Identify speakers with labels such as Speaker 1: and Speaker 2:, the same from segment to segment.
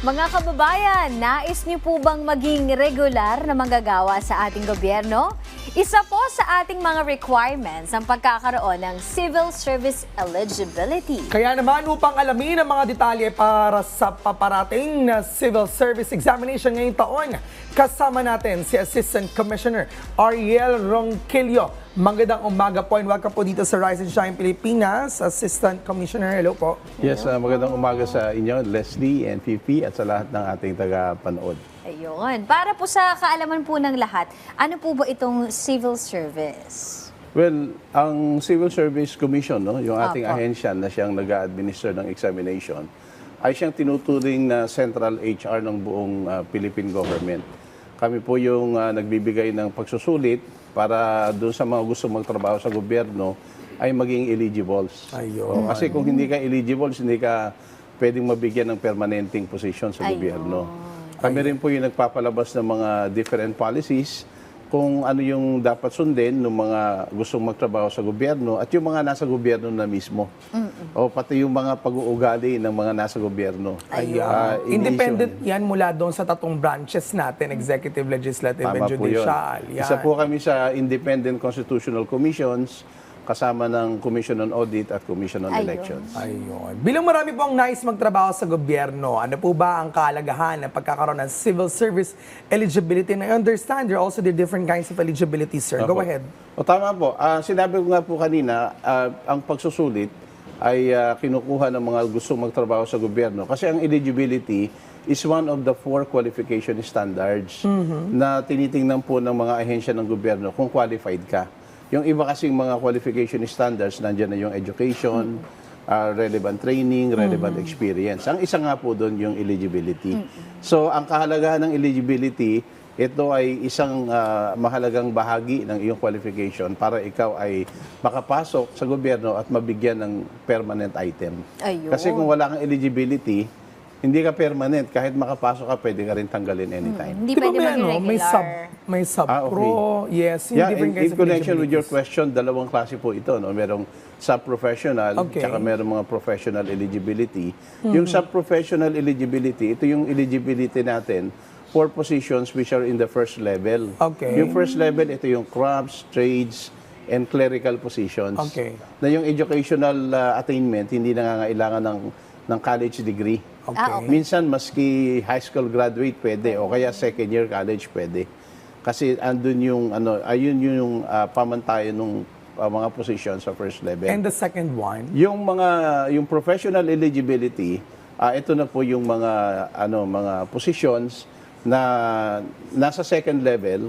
Speaker 1: Mga kababayan, nais niyo po bang maging regular na manggagawa sa ating gobyerno? Isa po sa ating mga requirements ang pagkakaroon ng civil service eligibility.
Speaker 2: Kaya naman upang alamin ang mga detalye para sa paparating na civil service examination ngayong taon, kasama natin si Assistant Commissioner Ariel Ronquillo. Magandang umaga po and welcome po dito sa Rise and Shine Pilipinas. Assistant Commissioner, hello po.
Speaker 3: Yes, magandang umaga sa inyo, Leslie and Fifi at sa lahat ng ating taga-panood.
Speaker 1: Ayun. Para po sa kaalaman po ng lahat, ano po ba itong civil service?
Speaker 3: Well, ang Civil Service Commission, no, yung ating
Speaker 1: Apo.
Speaker 3: ahensya na siyang nag-a-administer ng examination, ay siyang tinuturing na central HR ng buong Philippine government. Kami po yung nagbibigay ng pagsusulit para doon sa mga gusto magtrabaho sa gobyerno ay maging eligibles.
Speaker 2: Ayun.
Speaker 3: Kasi kung hindi ka eligibles, hindi ka pwedeng mabigyan ng permanenteng position sa
Speaker 1: Ayun.
Speaker 3: gobyerno. Kami rin po yung nagpapalabas ng mga different policies kung ano yung dapat sundin ng mga gustong magtrabaho sa gobyerno at yung mga nasa gobyerno na mismo. O pati yung mga pag-uugali ng mga nasa gobyerno.
Speaker 2: Ayan. Independent yan mula doon sa tatong branches natin, executive, legislative, and
Speaker 3: Tama po yun.
Speaker 2: judicial. Yan.
Speaker 3: Isa po kami sa Independent Constitutional Commissions kasama ng Commission on Audit at Commission on
Speaker 1: Ayun.
Speaker 3: Elections.
Speaker 2: Ayun. Bilang marami po ang nais magtrabaho sa gobyerno, ano po ba ang kahalagahan ng pagkakaroon ng civil service eligibility? And I understand there are also the different kinds of eligibility, sir. Go
Speaker 3: Opo.
Speaker 2: ahead.
Speaker 3: O tama po. Sinabi ko nga po kanina, ang pagsusulit ay kinukuha ng mga gustong magtrabaho sa gobyerno. Kasi ang eligibility is one of the 4 qualification standards na tinitingnan po ng mga ahensya ng gobyerno kung qualified ka. Yung iba kasing mga qualification standards, nandiyan na yung education, relevant training, relevant experience. Ang isa nga po doon yung eligibility. So, ang kahalagahan ng eligibility, ito ay isang mahalagang bahagi ng iyong qualification para ikaw ay makapasok sa gobyerno at mabigyan ng permanent item.
Speaker 1: Ayun.
Speaker 3: Kasi kung wala kang eligibility, hindi ka permanent. Kahit makapasok ka, pwede ka rin tanggalin anytime.
Speaker 1: Hindi pwede maging regular.
Speaker 2: may sub-pro,
Speaker 3: okay.
Speaker 2: yes, yung
Speaker 3: Yeah,
Speaker 2: different kinds
Speaker 3: in
Speaker 2: of
Speaker 3: connection with your
Speaker 2: eligibilities.
Speaker 3: question, dalawang klase po ito. No? Merong sub-professional,
Speaker 2: Okay.
Speaker 3: tsaka merong mga professional eligibility. Yung sub-professional eligibility, ito yung eligibility natin for positions which are in the first level.
Speaker 2: Okay.
Speaker 3: Yung first level, ito yung crafts, trades, and clerical positions.
Speaker 2: Okay.
Speaker 3: Na yung educational attainment, hindi nangangailangan ng college degree.
Speaker 2: Okay.
Speaker 1: Okay.
Speaker 3: Minsan, maski high school graduate pwede, o kaya second year college pwede. Kasi andun yung, ayun yung pamantayan ng mga positions sa first level.
Speaker 2: And the second one?
Speaker 3: Yung professional eligibility, ito na po yung mga positions na nasa second level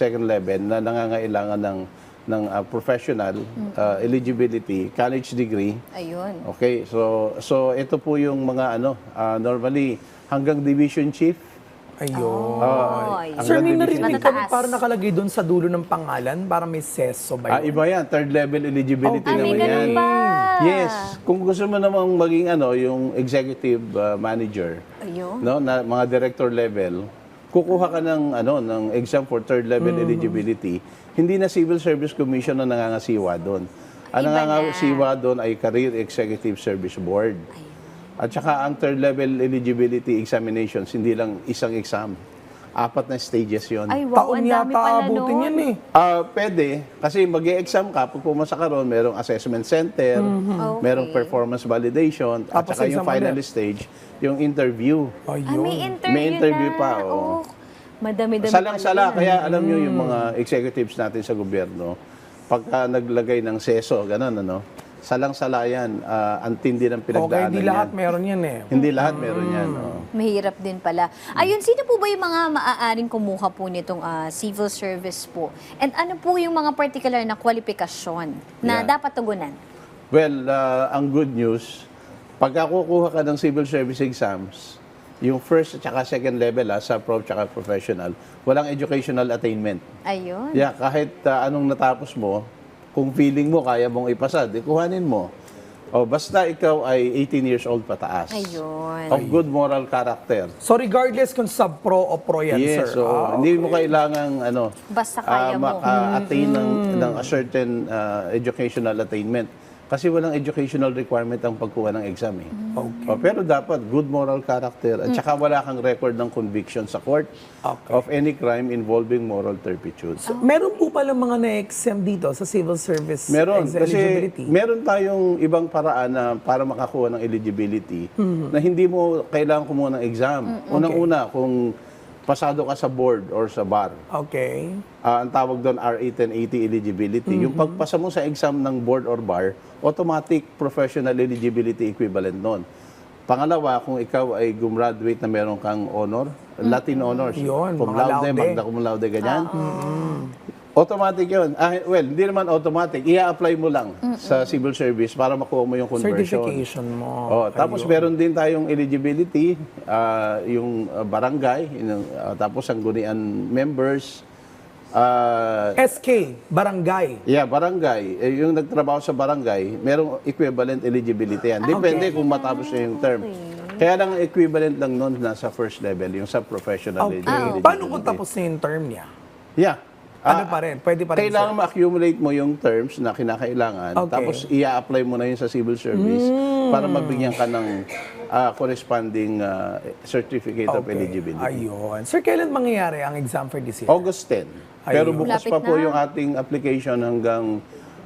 Speaker 3: na nangangailangan ng professional eligibility, college degree.
Speaker 1: Ayun.
Speaker 3: Okay, so ito po yung mga normally hanggang division chief.
Speaker 2: Ayun.
Speaker 1: Ayun.
Speaker 2: Sir, may
Speaker 3: Hanggang
Speaker 2: narinig
Speaker 3: division
Speaker 2: kami
Speaker 1: Matataas.
Speaker 2: parang nakalagay doon sa dulo ng pangalan para may seso ba yun?
Speaker 3: Iba yan, third level eligibility
Speaker 2: Okay.
Speaker 1: May
Speaker 3: naman yan.
Speaker 1: ganun ba?
Speaker 3: Yes, kung gusto mo namang maging yung executive manager,
Speaker 1: Ayun.
Speaker 3: no, na mga director level, kukuha ka ng exam for third level eligibility. Hindi na Civil Service Commission na nangangasiwa doon. Ang
Speaker 1: Iba
Speaker 3: nangangasiwa doon ay Career Executive Service Board. At saka ang third level eligibility examinations, hindi lang isang exam. 4 na stages yon.
Speaker 1: Ay, wow,
Speaker 2: Taon
Speaker 1: ang dami
Speaker 2: yata
Speaker 1: pala
Speaker 2: abutin
Speaker 1: nun.
Speaker 2: yan eh.
Speaker 3: Pwede, kasi mag-e-exam ka, pag pumasa ka ron, merong assessment center,
Speaker 1: Okay.
Speaker 3: merong performance validation, at
Speaker 2: Tapos
Speaker 3: saka yung
Speaker 2: exam
Speaker 3: final
Speaker 2: ulit.
Speaker 3: stage, yung interview.
Speaker 2: Ayun.
Speaker 1: May interview,
Speaker 3: May interview
Speaker 1: na.
Speaker 3: pa, oo.
Speaker 1: Oh, madami-dami
Speaker 3: Salang-sala,
Speaker 1: pala.
Speaker 3: kaya alam nyo yung mga executives natin sa gobyerno, pagka naglagay ng seso, ganun, salang-sala yan, ang tindi ng
Speaker 2: Okay,
Speaker 3: pinagdaanan
Speaker 2: di
Speaker 3: yan.
Speaker 2: lahat meron yan eh.
Speaker 3: Hindi lahat meron yan. oo.
Speaker 1: Mahirap din pala. Ayun, sino po ba yung mga maaaring kumuha po nitong civil service po? And ano po yung mga particular na kwalifikasyon na
Speaker 3: Yeah.
Speaker 1: dapat tugunan?
Speaker 3: Well, ang good news, pagka kukuha ka ng civil service exams, yung first at saka second level, sa prof at professional, walang educational attainment.
Speaker 1: Ayun.
Speaker 3: Yeah, kahit anong natapos mo, kung feeling mo kaya mong ipasa, di kuhanin mo. O basta ikaw ay 18 years old pataas.
Speaker 1: Ayun.
Speaker 3: Of good moral character.
Speaker 2: So regardless kung sub-pro o pro yan,
Speaker 3: Yes,
Speaker 2: sir.
Speaker 3: so hindi mo kailangang
Speaker 1: Basta kaya mo.
Speaker 3: maka-attain ng a certain educational attainment. Kasi walang educational requirement ang pagkuha ng exam eh.
Speaker 2: Okay.
Speaker 3: Pero dapat good moral character at saka wala kang record ng conviction sa court
Speaker 2: Okay.
Speaker 3: of any crime involving moral turpitude.
Speaker 2: Meron po pala mga na-exempt dito sa civil service
Speaker 3: Meron, kasi
Speaker 2: eligibility.
Speaker 3: meron tayong ibang paraan na para makakuha ng eligibility na hindi mo kailangan kumuha ng exam. Unang-una, kung pasado ka sa board or sa bar,
Speaker 2: Okay.
Speaker 3: ang tawag doon RA 1080 eligibility. Yung pagpasa mo sa exam ng board or bar, automatic professional eligibility equivalent noon. Pangalawa, kung ikaw ay gumraduate na meron kang honor, Latin honors,
Speaker 2: Yun,
Speaker 3: cum
Speaker 2: mga
Speaker 3: laude,
Speaker 2: laude.
Speaker 3: magna cum laude, ganyan. Automatic yun. Well, hindi naman automatic. I-apply mo lang sa civil service para makuha mo yung conversion.
Speaker 2: Certification mo.
Speaker 3: Tapos
Speaker 2: Ayun.
Speaker 3: meron din tayong eligibility, yung barangay, tapos sanggunian members,
Speaker 2: SK, barangay.
Speaker 3: barangay. Yung nagtrabaho sa barangay, merong equivalent eligibility yan. Depende kung matapos niya yung term. Kaya lang ang equivalent lang nun nasa first level, yung sa professional
Speaker 2: Okay.
Speaker 3: eligibility.
Speaker 2: Paano kung tapos na yung term niya?
Speaker 3: Yeah.
Speaker 2: Ano pa rin? Pwede pa rin,
Speaker 3: Kailangan
Speaker 2: sir?
Speaker 3: ma-accumulate mo yung terms na kinakailangan,
Speaker 2: Okay.
Speaker 3: tapos i-apply mo na yun sa civil service para mabigyan ka ng corresponding certificate of eligibility.
Speaker 2: Ayun. Sir, kailan mangyayari ang exam for this year?
Speaker 3: August 10. Pero
Speaker 2: Ayun.
Speaker 3: bukas
Speaker 1: Lapit
Speaker 3: pa po
Speaker 1: na.
Speaker 3: yung ating application hanggang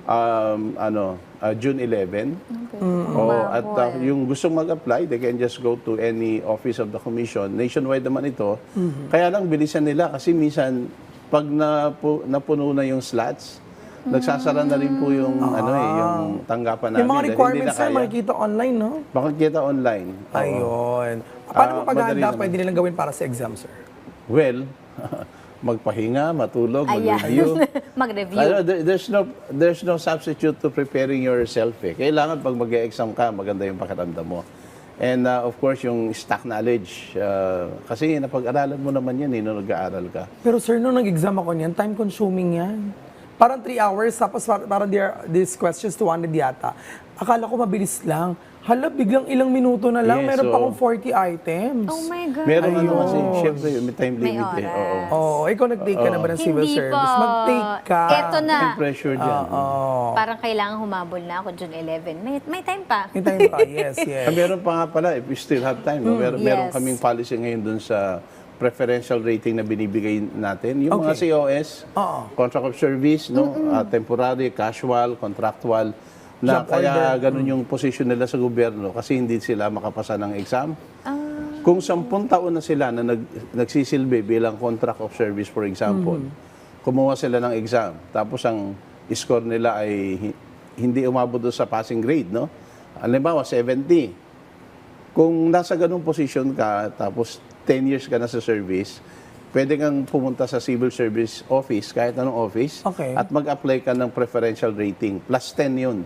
Speaker 3: June 11. At yung gustong mag-apply, they can just go to any office of the commission. Nationwide naman ito. Kaya lang bilisan nila kasi minsan pag napuno na yung slots, nagsasara na rin po yung yung tanggapan namin.
Speaker 2: Yung mga
Speaker 3: dahil
Speaker 2: requirements,
Speaker 3: hindi
Speaker 2: sir,
Speaker 3: na kaya.
Speaker 2: makikita online, no?
Speaker 3: Makikita online. Oo.
Speaker 2: Ayun. Paano mo
Speaker 3: madali
Speaker 2: paghahanda
Speaker 3: naman.
Speaker 2: pwede nilang gawin para sa exam, sir?
Speaker 3: Well, magpahinga, matulog,
Speaker 1: Ayan.
Speaker 3: mag-review.
Speaker 1: Mag-review.
Speaker 3: There's no substitute to preparing yourself eh. Kailangan pag mag-exam ka, maganda yung pakiramdam mo. And of course, yung stock knowledge. Kasi napag-aralan mo naman yan nung nag-aaral ka.
Speaker 2: Pero sir, nung nag-exam ako niyan, time-consuming yan. Parang 3 hours, tapos parang these questions 200 yata. Akala ko mabilis lang. Hala, biglang ilang minuto na lang,
Speaker 3: Yes,
Speaker 2: meron pa
Speaker 3: oo.
Speaker 2: akong 40 items.
Speaker 1: Oh my God.
Speaker 3: Meron ano
Speaker 2: Ayun.
Speaker 3: kasi, syempre, may time
Speaker 1: May
Speaker 3: limit eh.
Speaker 1: oras.
Speaker 3: Oo.
Speaker 2: Oo, ikaw nag-take ka na ba ng civil
Speaker 1: Hindi
Speaker 2: service?
Speaker 1: po.
Speaker 2: Mag-take ka.
Speaker 1: Eto na.
Speaker 3: May pressure dyan.
Speaker 1: Parang kailangan humabol na ako June 11. May time pa.
Speaker 2: May time pa, yes, yes.
Speaker 3: Meron pa nga pala, if you still have time. No? Meron
Speaker 1: Yes.
Speaker 3: kaming policy ngayon dun sa preferential rating na binibigay natin. Yung mga
Speaker 2: Okay.
Speaker 3: COS,
Speaker 2: Oo.
Speaker 3: contract of service, no? Temporary, casual, contractual, na
Speaker 2: Job
Speaker 3: kaya
Speaker 2: order.
Speaker 3: ganun yung position nila sa gobyerno kasi hindi sila makapasa ng exam.
Speaker 1: Ah.
Speaker 3: Kung 10 taon na sila na nagsisilbi bilang contract of service, for example, kumuha sila ng exam, tapos ang score nila ay hindi umabot doon sa passing grade, no? Halimbawa, 70. Kung nasa ganung position ka, tapos 10 years ka na sa service, pwede kang pumunta sa civil service office, kahit anong office,
Speaker 2: Okay.
Speaker 3: at mag-apply ka ng preferential rating. Plus 10 yun.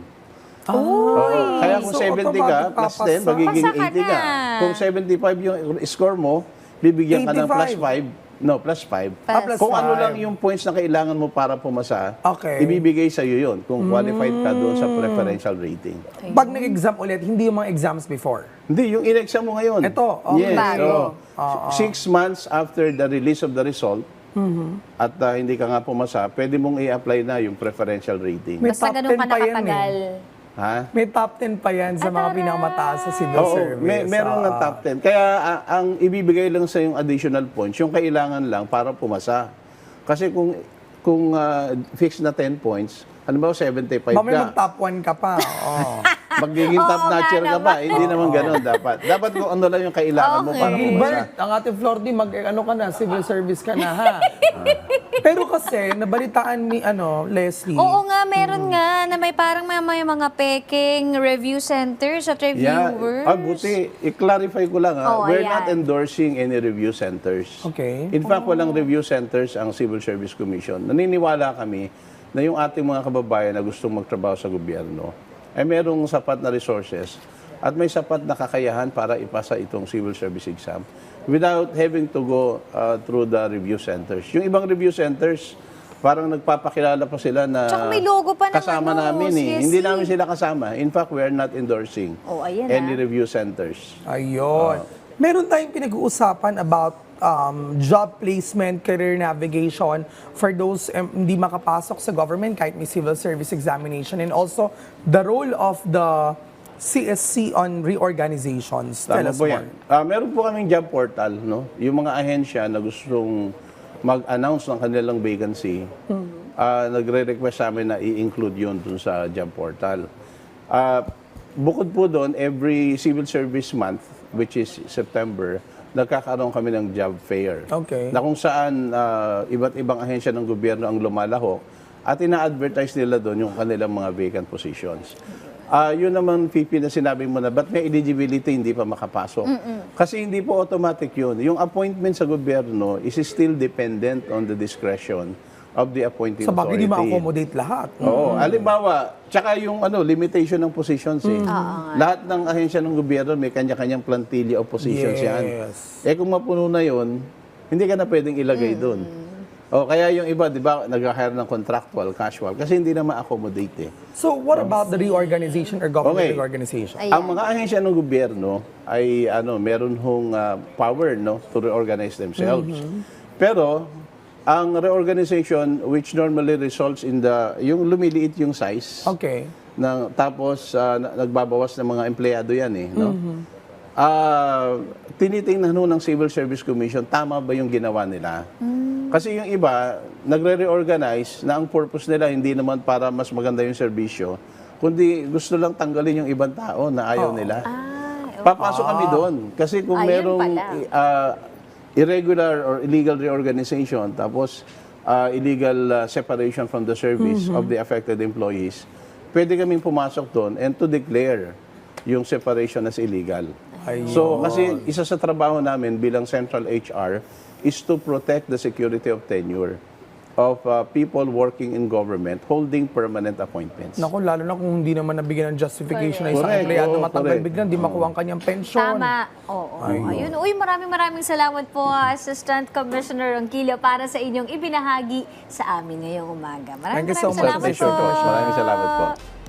Speaker 2: Oh,
Speaker 3: Kaya kung
Speaker 2: so
Speaker 3: 70 ka,
Speaker 2: automatic
Speaker 3: plus 10,
Speaker 2: papasa.
Speaker 3: magiging
Speaker 1: Pasa ka
Speaker 3: 80 ka.
Speaker 1: na.
Speaker 3: Kung 75 yung score mo, bibigyan ka ng plus
Speaker 2: 85.
Speaker 3: 5. No, plus 5.
Speaker 2: Plus
Speaker 3: Kung ano
Speaker 2: 5.
Speaker 3: lang yung points na kailangan mo para pumasa,
Speaker 2: Okay.
Speaker 3: ibibigay sa iyo yun kung qualified ka doon sa preferential rating.
Speaker 2: Pag nag-exam ulit, hindi yung mga exams before.
Speaker 3: Hindi, yung in-exam mo ngayon.
Speaker 2: Ito, okay.
Speaker 3: Yes.
Speaker 1: Bago.
Speaker 3: oo. 6 months after the release of the result, at hindi ka nga pumasa, pwede mong i-apply na yung preferential rating.
Speaker 2: May
Speaker 1: Basta
Speaker 2: top
Speaker 1: ganun
Speaker 2: 10
Speaker 1: ka
Speaker 2: pa yan
Speaker 1: nakatagal.
Speaker 3: Ha?
Speaker 2: May top 10 pa yan sa mga pinakamataas sa civil
Speaker 3: Oo,
Speaker 2: service.
Speaker 3: meron ng top 10. Kaya ang ibibigay lang sa yung additional points, yung kailangan lang para pumasa. Kasi kung fixed na 10 points, halimbawa 75
Speaker 2: Mamaya
Speaker 3: ka,
Speaker 2: mag-top 1 ka pa. Oo.
Speaker 3: magiging top
Speaker 1: Oo nga
Speaker 3: notcher ka ba?
Speaker 1: naman.
Speaker 3: Hindi naman ganun dapat. Dapat kung ano lang yung kailangan mo para pumasa.
Speaker 2: Gilbert, ang ating floor team, ano ka na, civil service ka na, ha? Pero kasi, nabalitaan ni Leslie.
Speaker 1: Oo nga, meron nga na may parang may mga peking review centers at reviewers.
Speaker 3: Buti. I-clarify ko lang ha.
Speaker 1: Oo,
Speaker 3: We're
Speaker 1: ayan.
Speaker 3: not endorsing any review centers.
Speaker 2: Okay.
Speaker 3: In fact, walang review centers ang Civil Service Commission. Naniniwala kami na yung ating mga kababayan na gustong magtrabaho sa gobyerno ay merong sapat na resources at may sapat na kakayahan para ipasa itong civil service exam without having to go through the review centers. Yung ibang review centers, parang nagpapakilala pa sila na
Speaker 1: Tsaka may logo pa ng
Speaker 3: kasama
Speaker 1: ano,
Speaker 3: namin eh.
Speaker 1: CSC.
Speaker 3: Hindi namin sila kasama. In fact, we are not endorsing
Speaker 1: Oh, ayan
Speaker 3: any
Speaker 1: ah.
Speaker 3: review centers.
Speaker 2: Ayun. Meron tayong pinag-uusapan about job placement, career navigation for those hindi makapasok sa government kahit may civil service examination, and also the role of the CSC on reorganizations. Tell
Speaker 3: Tama
Speaker 2: us
Speaker 3: po
Speaker 2: more.
Speaker 3: yan. Meron po kaming job portal, no? Yung mga ahensya na gustong mag-announce ng kanilang vacancy, nagre-request sa amin na i-include yun dun sa job portal. Bukod po doon, every civil service month, which is September, nagkakaroon kami ng job fair.
Speaker 2: Okay.
Speaker 3: Na kung saan iba't ibang ahensya ng gobyerno ang lumalahok at ina-advertise nila doon yung kanilang mga vacant positions. Yun naman, Pipi, na sinabi mo na, ba't may eligibility hindi pa makapasok? Kasi hindi po automatic yun. Yung appointment sa gobyerno is still dependent on the discretion of the appointing
Speaker 2: Sa bagay,
Speaker 3: authority.
Speaker 2: di ma-accommodate lahat.
Speaker 3: Oo. Halimbawa, tsaka yung limitation ng positions eh. Lahat ng ahensya ng gobyerno may kanya-kanyang plantilla of positions yan.
Speaker 2: Yes.
Speaker 3: Eh kung mapuno na yun, hindi ka na pwedeng ilagay doon. O kaya yung iba, di ba, nag-hire ng contractual, casual, kasi hindi na ma-accommodate eh.
Speaker 2: So what about the reorganization or government
Speaker 3: Okay.
Speaker 2: reorganization?
Speaker 1: Ayan.
Speaker 3: Ang mga ahensya ng gobyerno ay meron hong power to reorganize themselves. Pero ang reorganization which normally results in yung lumiliit yung size.
Speaker 2: Okay.
Speaker 3: Tapos nagbabawas ng mga empleyado yan eh, no? Tinitingnan ng Civil Service Commission, tama ba yung ginawa nila? Kasi yung iba, nagre-reorganize na ang purpose nila hindi naman para mas maganda yung serbisyo, kundi gusto lang tanggalin yung ibang tao na ayaw nila. Papasok kami doon. Kasi kung
Speaker 1: Ayun
Speaker 3: merong
Speaker 1: pala.
Speaker 3: irregular or illegal reorganization, tapos illegal separation from the service of the affected employees, pwede kaming pumasok doon and to declare yung separation as illegal.
Speaker 2: Ayun.
Speaker 3: So, kasi isa sa trabaho namin bilang Central HR is to protect the security of tenure of people working in government holding permanent appointments.
Speaker 2: Naku, lalo na kung hindi naman nabigyan ng justification na isang
Speaker 3: Correct.
Speaker 2: empleyado
Speaker 3: Oo,
Speaker 2: matanggal
Speaker 3: correct.
Speaker 2: biglang, di makuha ang kanyang pensyon.
Speaker 1: Tama. Oo. Ayun. Uy, maraming salamat po, Assistant Commissioner Ronquillo, para sa inyong ibinahagi sa amin ngayong umaga.
Speaker 2: Thank you so much,
Speaker 1: Salamat
Speaker 2: Assistant
Speaker 1: po.
Speaker 2: Commissioner.
Speaker 3: Maraming salamat po.